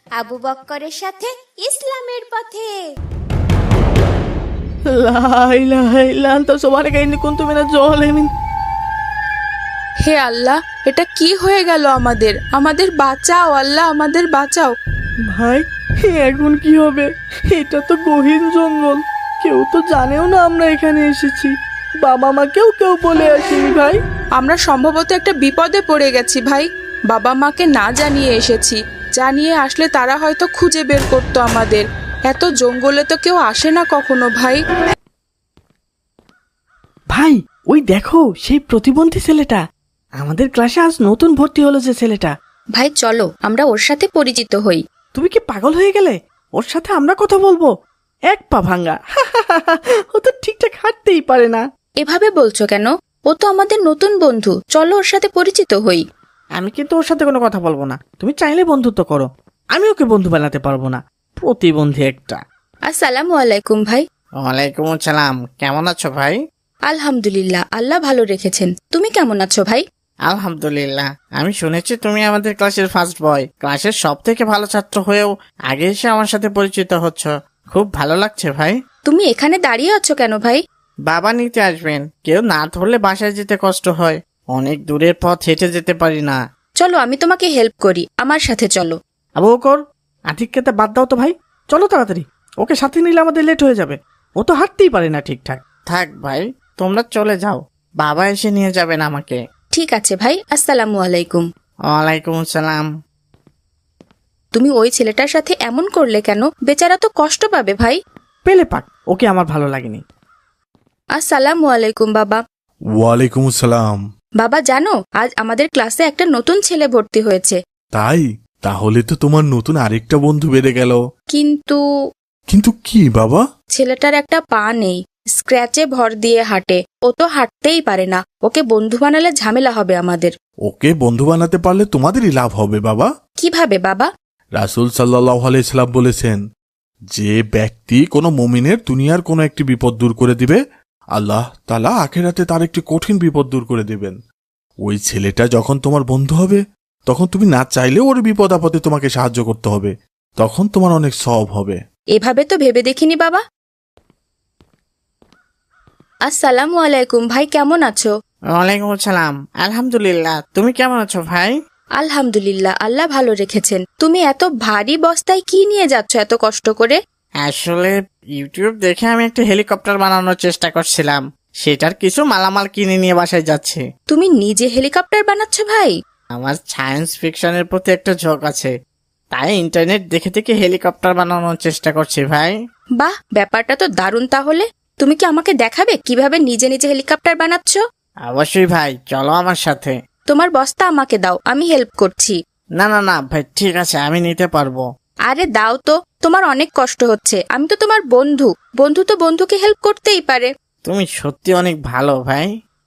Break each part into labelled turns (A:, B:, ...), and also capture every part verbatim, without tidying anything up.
A: আবু বক্করের সাথে ইসলামের পথে।
B: লা ইলাহা ইল্লা আনতা সুবহানাকা ইন্নী কুনতু মিনাজ জালিমিন।
C: হে আল্লাহ, এটা কি হয়ে গেল আমাদের? আমাদের বাঁচাও আল্লাহ, আমাদের বাঁচাও।
B: ভাই এখন কি হবে? এটা তো গহীন জঙ্গল, কেউ তো জানেও না আমরা এখানে এসেছি। বাবা মা কেউ কেউ বলে আসেনি ভাই।
C: আমরা সম্ভবত একটা বিপদে পড়ে গেছি ভাই। বাবা মাকে না জানিয়ে এসেছি, জানিয়ে আসলে তারা হয়তো খুঁজে বের করতো আমাদের। এত জঙ্গলে তো কেউ আসে না কখনো ভাই।
B: ভাই ওই দেখো সেই প্রতিবন্ধী ছেলেটা, আমাদের ক্লাসে আজ নতুন ভর্তি হলো যে ছেলেটা।
D: ভাই চলো আমরা ওর সাথে পরিচিত হই।
B: তুমি কি পাগল হয়ে গেলে? ওর সাথে আমরা কথা বলবো? এক পা ভাঙ্গা, ও তো ঠিকঠাক হাঁটতেই পারে না।
D: এভাবে বলছো কেন? ও তো আমাদের নতুন বন্ধু, চলো ওর সাথে পরিচিত হই।
B: আমি কিন্তু ওর সাথে কোনো কথা বলবো না। তুমি চাইলে বন্ধুত্ব করো, আমি ওকে বন্ধু বানাতে পারবো না। প্রতিবন্ধী একটা।
D: আসসালামু আলাইকুম ভাই।
E: ওয়ালাইকুম আসসালাম। কেমন আছো ভাই?
D: আলহামদুলিল্লাহ, আল্লাহ ভালো রেখেছেন। তুমি কেমন আছো ভাই?
E: আলহামদুলিল্লাহ। আমি শুনেছি তুমি আমাদের ক্লাসের ফার্স্ট বয়, ক্লাসের সব থেকে ভালো ছাত্র হয়েও আগে এসে আমার সাথে পরিচিত হচ্ছ, খুব ভালো লাগছে ভাই।
D: তুমি এখানে দাঁড়িয়ে আছো কেন ভাই?
E: বাবা নিতে আসবেন, কেউ না ধরলে বাসায় যেতে কষ্ট হয়, অনেক দূরের পথ হেঁটে যেতে পারি না।
D: চলো আমি তোমাকে হেল্প করি, আমার সাথে চলো।
B: আবু বকর, আতিককে বাদ দাও তো ভাই, চলো তাড়াতাড়ি। ওকে সাথে নিলে আমাদের লেট হয়ে যাবে, ও তো হাঁটতেই পারে না ঠিকঠাক।
E: থাক ভাই, তোমরা চলে যাও, বাবা এসে নিয়ে যাবেন আমাকে।
D: ঠিক আছে ভাই, আসসালামু আলাইকুম।
E: ওয়ালাইকুম আসসালাম।
D: তুমি ওই ছেলেটার সাথে এমন করলে কেন? বেচারা তো কষ্ট পাবে ভাই।
B: পেলে পাক, ওকে আমার ভালো লাগেনি।
D: আসসালামু আলাইকুম বাবা।
F: ওয়ালাইকুম আসসালাম।
D: বাবা জানো, আজ আমাদের ক্লাসে একটা নতুন ছেলে ভর্তি হয়েছে।
F: তাই? তাহলে তো তোমার নতুন আরেকটা বন্ধু বেড়ে গেল।
D: কিন্তু
F: কিন্তু কি বাবা?
D: ছেলেটার একটা পা নেই, স্ক্র্যাচে ভর দিয়ে হাঁটে। ও তো হাঁটতেই পারে না, ওকে বন্ধু বানালে ঝামেলা হবে আমাদের।
F: ওকে বন্ধু বানাতে পারলে তোমাদেরই লাভ হবে বাবা।
D: কিভাবে বাবা?
F: রাসূল সাল্লাল্লাহু আলাইহি সাল্লাম বলেছেন, যে ব্যক্তি কোনো মুমিনের দুনিয়ার কোনো একটি বিপদ দূর করে দিবে, আল্লাহ তাআলা আখিরাতে তার একটি কঠিন বিপদ দূর করে দিবেন। ওই ছেলেটা যখন তোমার বন্ধু হবে, তখন তুমি না চাইলেও ওর বিপদ আপদে তোমাকে সাহায্য করতে হবে, তখন তোমার অনেক সওয়াব হবে।
D: এভাবে তো ভেবে দেখিনি বাবা। আসসালামু আলাইকুম ভাই, কেমন আছো?
E: ওয়ালাইকুম আসসালাম। আলহামদুলিল্লাহ। তুমি কেমন আছো ভাই?
D: আলহামদুলিল্লাহ, আল্লাহ ভালো রেখেছেন। তুমি এত ভারী বস্তায় কি নিয়ে যাচ্ছ এত কষ্ট করে?
E: আসলে ইউটিউব দেখে আমি একটা হেলিকপ্টার বানানোর চেষ্টা করছিলাম, সেটার কিছু মালামাল কিনে নিয়ে বাসায় যাচ্ছি।
D: তুমি নিজে হেলিকপ্টার বানাচ্ছ ভাই?
E: আমার সায়েন্স ফিকশনের প্রতি একটা ঝোঁক আছে, তাই ইন্টারনেট দেখে দেখে হেলিকপ্টার বানানোর চেষ্টা করছি ভাই।
D: বাহ, ব্যাপারটা তো দারুণ। তাহলে তুমি কি আমাকে দেখাবে কিভাবে নিজে নিজে হেলিকপ্টার বানাচ্ছ?
E: অবশ্যই ভাই, চলো আমার সাথে।
D: তোমার বস্তা আমাকে দাও, আমি হেল্প করছি।
E: না না না ভাই, ঠিক আছে, আমি নিতে পারবো।
D: আরে দাও তো, তোমার অনেক কষ্ট হচ্ছে। আমি তো তোমার বন্ধু, বন্ধু তো বন্ধুকে হেল্প করতেই পারে।
E: তুমি সত্যি অনেক ভালো ভাই।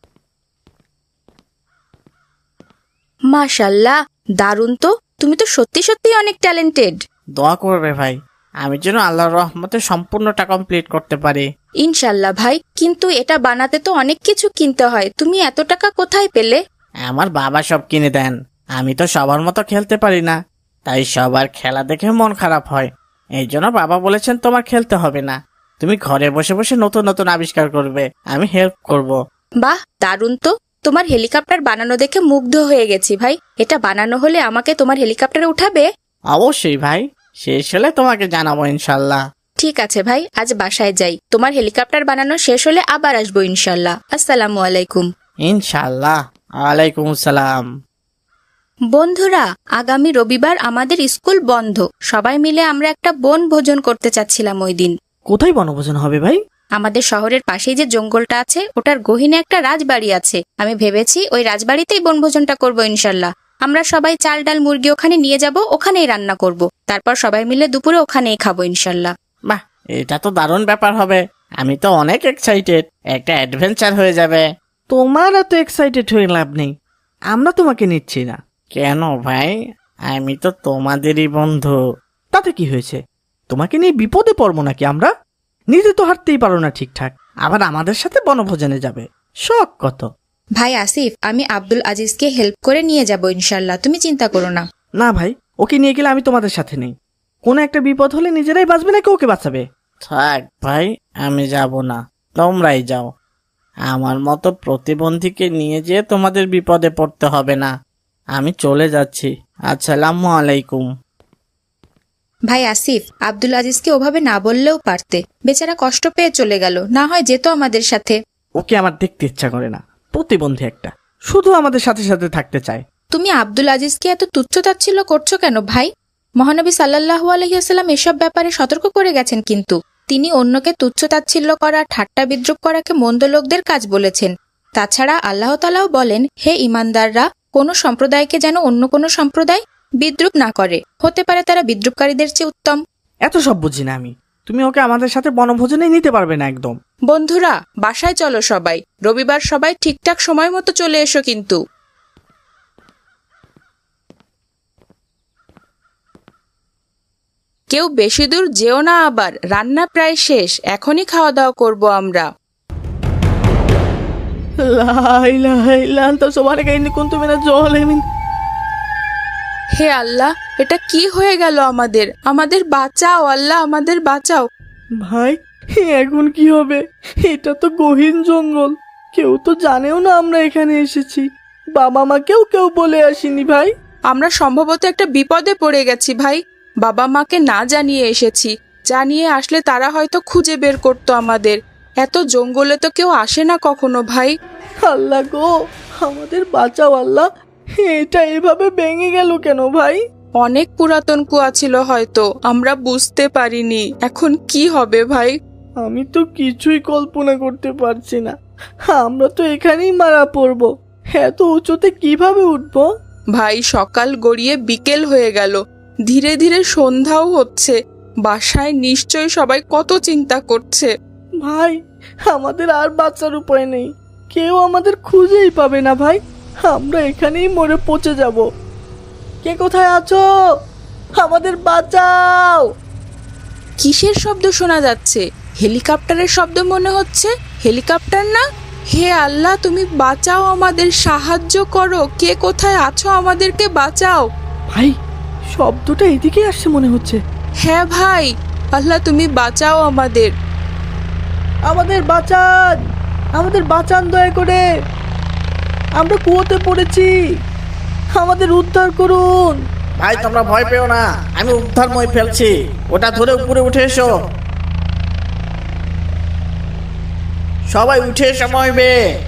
D: মাশাল্লাহ, দারুণ তো। তুমি তো সত্যি সত্যি অনেক ট্যালেন্টেড।
E: দোয়া করবে ভাই, আমি যেন আল্লাহর রহমতে সম্পূর্ণটা কমপ্লিট করতে পারি।
D: ইনশাল্লাহ ভাই, কিন্তু এটা বানাতে তো অনেক কিছু কিনতে হয়। তুমি এত টাকা কোথায় পেলে?
E: আমার বাবা সব কিনে দেন। আমি তো সবার মতো খেলতে পারি না, তাই সবার খেলা দেখে মন খারাপ হয়। এই জন্য বাবা বলেছেন তোমার খেলতে হবে না, তুমি ঘরে বসে বসে নতুন নতুন আবিষ্কার করবে, আমি হেল্প করব।
D: বাহ, দারুণ তো। তোমার হেলিকপ্টার বানানো দেখে মুগ্ধ হয়ে গেছি ভাই। এটা বানানো হলে আমাকে তোমার হেলিকপ্টারে উঠাবে?
E: অবশ্যই ভাই, শেষ হলে তোমাকে জানাবো ইনশাল্লাহ।
D: ঠিক আছে ভাই, আজ বাসায় যাই। তোমার হেলিকপ্টার বানানো শেষ হলে আবার আসবো ইনশাল্লাহ। আসসালামু আলাইকুম।
E: ইনশাল্লাহ। ওয়ালাইকুম আসসালাম।
D: বন্ধুরা, আগামী রবিবার আমাদের স্কুল বন্ধ। সবাই মিলে আমরা একটা বন ভোজন করতে চাচ্ছিলাম ওই দিন।
B: কোথায় বনভোজন হবে ভাই?
D: আমাদের শহরের পাশেই যে জঙ্গলটা আছে, ওটার গহীনে একটা রাজবাড়ি আছে। আমি ভেবেছি ওই রাজবাড়িতেই বনভোজনটা করবো ইনশাল্লাহ। আমরা সবাই চাল ডাল মুরগি ওখানে নিয়ে যাব, ওখানেই রান্না করব। তারপর সবাই মিলে দুপুরে ওখানেই খাবো ইনশাল্লাহ।
E: বাহ, এটা তো দারুণ ব্যাপার হবে। আমি তো অনেক এক্সাইটেড, একটা অ্যাডভেঞ্চার হয়ে যাবে।
B: তোমার এত এক্সাইটেড হয়ে লাভ নেই, আমরা তোমাকে নিচ্ছি না।
E: কেন ভাই? আমি তো তোমাদেরই বন্ধু।
B: তাতে কি হয়েছে? তোমাকে নিয়ে বিপদে পড়বো নাকি আমরা? নিজে তো হাঁটতেই পারো না ঠিকঠাক, আবার আমাদের সাথে বনভোজনে যাবে, শখ কত।
D: ভাই আসিফ, আমি আব্দুল আজিজকে হেল্প করে নিয়ে যাব ইনশাল্লাহ, তুমি চিন্তা করো না।
B: না ভাই, ওকে নিয়ে গেলে আমি তোমাদের সাথে নেই। কোনো একটা বিপদ হলে নিজেরাই বাঁচবে নাকি ওকে বাঁচাবে?
E: থাক ভাই, আমি যাব না, তোমরাই যাও। আমার মতো প্রতিবন্ধীকে নিয়ে যেয়ে তোমাদের বিপদে পড়তে হবে না। আমি চলে যাচ্ছি। আসসালামু আলাইকুম।
D: ভাই আসিফ, আব্দুল আজিজকে ওভাবে না বললেও পারতে, বেচারা কষ্ট পেয়ে চলে গেল, না হয় যেত আমাদের সাথে।
B: ওকে আমার দেখতে ইচ্ছা করে না, প্রতিবন্ধী একটা, শুধু আমাদের সাথে সাথে থাকতে চায়।
D: তুমি আব্দুল আজিজকে এত তুচ্ছতাচ্ছিল্য করছো কেন ভাই? মহানবী সাল্লাল্লাহু আলাইহি ওয়াসাল্লাম এসব ব্যাপারে সতর্ক করে গেছেন, কিন্তু তিনি অন্যকে তুচ্ছতাচ্ছিল্য করা, ঠাট্টা বিদ্রুপ করাকে মন্দ লোকদের কাজ বলেছেন। তাছাড়া আল্লাহ তাআলাও বলেন, হে ঈমানদাররা, কোনো সম্প্রদায়কে যেন অন্য কোনো সম্প্রদায় বিদ্রুপ না করে, হতে পারে তারা বিদ্রুপকারীদের চেয়ে উত্তম।
B: এত সব বুঝি না আমি, তুমি ওকে আমাদের সাথে বনভোজনে নিতে পারবে না একদম।
C: বন্ধুরা, বাসায় চলো সবাই, রবিবার সবাই ঠিকঠাক সময় মতো চলে এসো কিন্তু। কেউ বেশি দূর যেও না আবার, রান্না প্রায় শেষ, এখনই খাওয়া দাওয়া করবো আমরা।
B: লা ইলাহা ইল্লা আনতা সুবহানাকা ইন্নী কুনতু মিনাজ জালিমিন।
C: হে আল্লাহ, এটা কি হয়ে গেল আমাদের? আমাদের বাঁচাও আল্লাহ, আমাদের বাঁচাও।
B: ভাই, এখন কি হবে? এটা তো গহীন জঙ্গল, কেউ তো জানেও না আমরা এখানে এসেছি। বাবা মা কেউ কেউ বলে আসেনি ভাই।
C: আমরা সম্ভবত একটা বিপদে পড়ে গেছি ভাই। বাবা মাকে না জানিয়ে এসেছি, জানিয়ে আসলে তারা হয়তো খুঁজে বের করতো আমাদের। এত জঙ্গলে তো কেউ আসে না কখনো ভাই।
B: আল্লাহ গো, আমাদের বাঁচাও আল্লাহ। এটা এভাবে ভেঙে গেল কেন ভাই?
C: অনেক পুরাতন কুয়া ছিল হয়তো, আমরা বুঝতে পারিনি। এখন কি হবে ভাই?
B: আমি তো কিছুই কল্পনা করতে পারছি না। আমরা তো এখানেই মারা পড়বো, এত উঁচুতে কিভাবে উঠবো?
C: ভাই, সকাল গড়িয়ে বিকেল হয়ে গেল, ধীরে ধীরে সন্ধ্যাও হচ্ছে। বাসায় নিশ্চয়ই সবাই কত চিন্তা করছে।
B: ভাই, আমাদের আর বাঁচার উপায় নেই, কেউ আমাদের খুঁজেই পাবে না ভাই। আমরা এখানেই মরে পচে যাব। কে কোথায় আছো? আমাদের বাঁচাও।
C: কিসের শব্দ শোনা যাচ্ছে? হেলিকপ্টারের শব্দ মনে হচ্ছে। হেলিকপ্টার না? হে আল্লাহ, তুমি বাঁচাও আমাদের, সাহায্য করো। কে কোথায় আছো? আমাদেরকে বাঁচাও।
B: ভাই, শব্দটা এদিকে আসছে মনে হচ্ছে।
C: হ্যাঁ ভাই, আল্লাহ তুমি বাঁচাও আমাদের।
B: আমাদের বাঁচান, আমাদের বাঁচান দয়া করে, আমরা কুয়োতে পড়েছি, আমাদের উদ্ধার করুন।
E: ভাই, তোমরা ভয় পেও না, আমি উদ্ধার মই ফেলছি। ওটা ধরে উপরে উঠে এসো। সবাই উঠে এসো মইবে।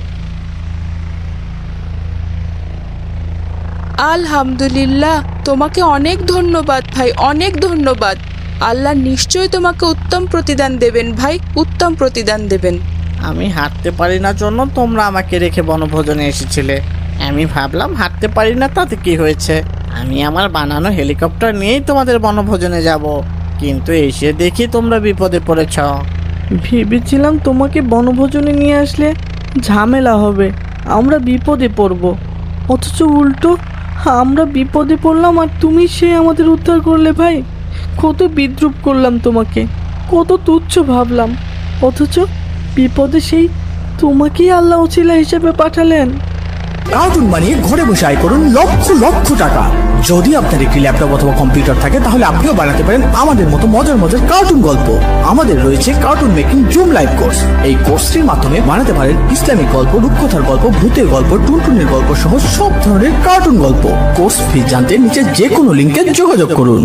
C: আলহামদুলিল্লাহ, তোমাকে অনেক ধন্যবাদ ভাই, অনেক ধন্যবাদ। আল্লাহ নিশ্চয়ই তোমাকে উত্তম প্রতিদান দেবেন ভাই, উত্তম প্রতিদান দেবেন।
E: আমি হাঁটতে পারি না জন্য তোমরা আমাকে রেখে বনভোজনে এসেছিলে। আমি ভাবলাম হাঁটতে পারি না, তাতে কি হয়েছে, আমি আমার বানানো হেলিকপ্টার নিয়েই তোমাদের বনভোজনে যাব। কিন্তু এসে দেখি তোমরা বিপদে পড়েছ।
B: ভেবেছিলাম তোমাকে বনভোজনে নিয়ে আসলে ঝামেলা হবে, আমরা বিপদে পড়ব, অথচ উল্টো আমরা বিপদে পড়লাম আর তুমি সে আমাদের উদ্ধার করলে। ভাই, কত বিদ্রুপ করলাম তোমাকে, কত তুচ্ছ ভাবলাম, অথচ বিপদে সেই তোমাকেই আল্লাহ ওসিলা হিসেবে পাঠালেন।
G: কার্টুন বানিয়ে ঘরে বসে আয় করুন লক্ষ লক্ষ টাকা। যদি আপনার একটি ল্যাপটপ অথবা কম্পিউটার থাকে তাহলে আপনিও বানাতে পারেন আমাদের মতো মজার মজার কার্টুন গল্প। আমাদের রয়েছে cartoon making zoom live course. এই কোর্সটির মাধ্যমে বানাতে পারেন ইসলামিক গল্প, রূপকথার গল্প, ভূতের গল্প, টুনটুনের গল্প সহ সব ধরনের কার্টুন গল্প। কোর্স ফি জানতে নিচে যে কোনো লিঙ্কে যোগাযোগ করুন।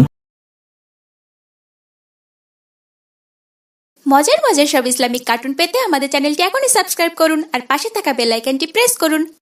A: মজার মজার সব ইসলামিক কার্টুন পেতে আমাদের চ্যানেলটি এখনই সাবস্ক্রাইব করুন আর পাশে থাকা বেল আইকনটি প্রেস করুন।